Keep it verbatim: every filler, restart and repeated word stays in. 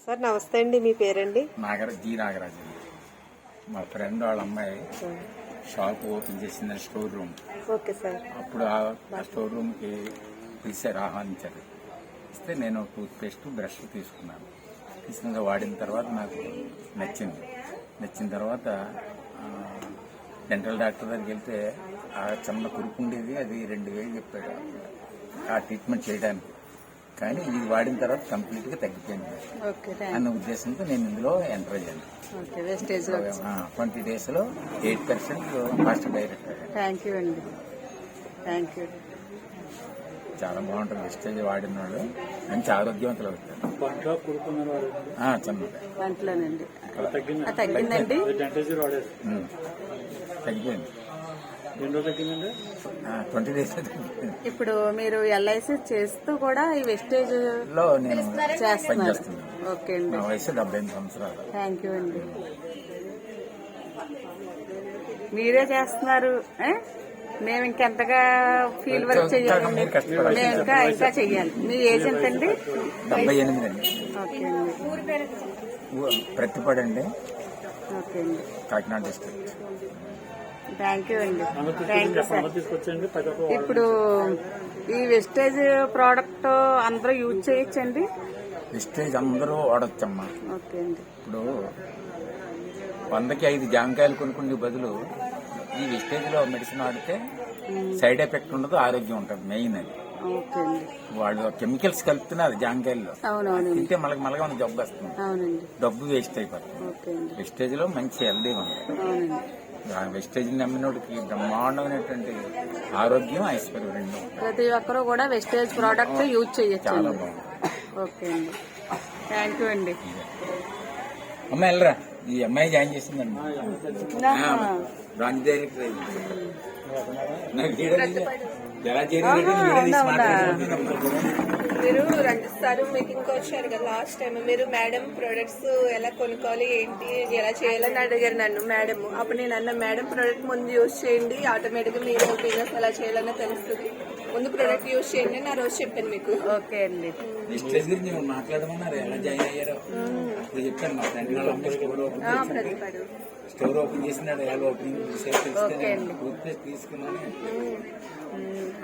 Sir నమస్తే అండి, మీ పేరండి? నాగర జీ నాగరాజు అండి. మా ఫ్రెండ్ వాళ్ళ అమ్మాయి షాప్ ఓపెన్ చేసింది, స్టోర్ రూమ్. Okay sir. అప్పుడు ఆ స్టోర్ రూమ్కి పిలిచారు, ఆహ్వానించారు. ఇస్తే నేను టూత్ పేస్ట్ బ్రష్ తీసుకున్నాను. తీసుకున్న వాడిన తర్వాత నాకు నచ్చింది. నచ్చిన తర్వాత డెంటల్ డాక్టర్ దగ్గరికి వెళ్తే ఆ చిన్న కురుపు ఉండేది, అది రెండు వేలు చెప్పాడు ఆ ట్రీట్మెంట్ చేయడానికి. కానీ ఇది వాడిన తర్వాత కంప్లీట్ గా తగ్గిపోయింది అన్న ఉద్దేశంతో నేను ఇందులో ఎంటర్ అయ్యాను. ట్వంటీ డేస్ లో eight percent fast direct. Thank you అండి, థ్యాంక్ యూ. చాలా బాగుంటుంది వెస్టేజ్ వాడిన వాళ్ళు, మంచి ఆరోగ్యవంతులు అవుతారు. చిన్నదండి తగ్గిందండి, తగ్గిపోయింది. Twenty days. ఇప్పుడు మీరు ఎల్ఐసి చేస్తూ కూడా ఈ వెస్టేజ్ లో నేను చేస్తున్నారు. ఓకే అండి, నా వయసు డెబ్బై ఎనిమిది సంవత్సరాలు. థ్యాంక్ యూ అండి. మీరే చేస్తున్నారు, మేము ఇంకెంతగా ఫీల్ వర్క్ చెయ్యాలండి, మేము ఇంకా ఇంకా చెయ్యాలి. మీ ఏజ్ ఎంత అండి? డెబ్బై ఎనిమిది అండి. ఓకే అండి, ప్రతిపడండి. ఓకే అండి, కాకినాడ డిస్ట్రిక్ట్. థ్యాంక్ యూ అండి, థ్యాంక్ యూ సార్. ఇప్పుడు ఈ వెస్టేజ్ ప్రోడక్ట్ అందరూ యూజ్ చేయొచ్చండి? వెస్టేజ్ అందరూ వాడచ్చమ్మా. ఓకే అండి. ఇప్పుడు వందకి ఐదు జామకాయలు కొనుక్కునే బదులు ఈ వెస్టేజ్ లో మెడిసిన్ వాడితే సైడ్ ఎఫెక్ట్ ఉండదు, ఆరోగ్యం ఉంటుంది. మెయిన్ అది. ఓకే అండి. వాళ్ళు కెమికల్స్ కలుపుతున్నారు జామకాయల్లో, అవునవును, తింటే మళ్ళీ మళ్ళీ జబ్బు వస్తుంది. అవునండి, డబ్బు వేస్ట్ అయిపోతుంది. ఓకే అండి. వెస్టేజ్ లో మంచి హెల్దీ ఉంది. అవునండి, వెస్టేజ్ నమ్మినోడికి బ్రహ్మాండమైనటువంటి ఆరోగ్యం, ఐశ్వర్యం రెండు. ప్రతి ఒక్కరూ కూడా వెస్టేజ్ ప్రోడక్ట్ యూజ్ చేయొచ్చు. చాలా బాగుంది. ఓకే అండి, థ్యాంక్ యూ అండి. అమ్మాయి వెళ్ళరా, ఈ అమ్మాయి జాయిన్ చేసిందండి. బ్రాంచ్ డైరెక్టర్ ఎలా మీరు రంజిస్తారు మీటింగ్ వచ్చారు కదా లాస్ట్ టైం, మీరు మేడం ప్రొడక్ట్స్ ఎలా కొనుక్కోవాలి ఏంటి ఎలా చేయాలని అడిగారు నన్ను మేడం. అప్పుడు నేను అన్న మేడం ప్రొడక్ట్ ముందు యూజ్ చేయండి, ఆటోమేటిక్ గా మీరు బిజినెస్ ఎలా చేయాలన్నా తెలుస్తుంది, ముందు ప్రొడక్ట్ యూజ్ చేయండి అని ఆ రోజు చెప్పాను మీకు. ఓకే అండి. వెస్టేజ్ గురించి మాట్లాడమన్నారు, ఎలా జాయిన్ అయ్యారో ఇప్పుడు చెప్పాను. మా ఫ్రెండ్ వాళ్ళ అమ్మాయి స్టోర్ ఓపెన్ చేసింది, స్టోర్ ఓపెన్ చేసినాడు. ఎలా ఓపెనింగ్ తీసుకున్నాను.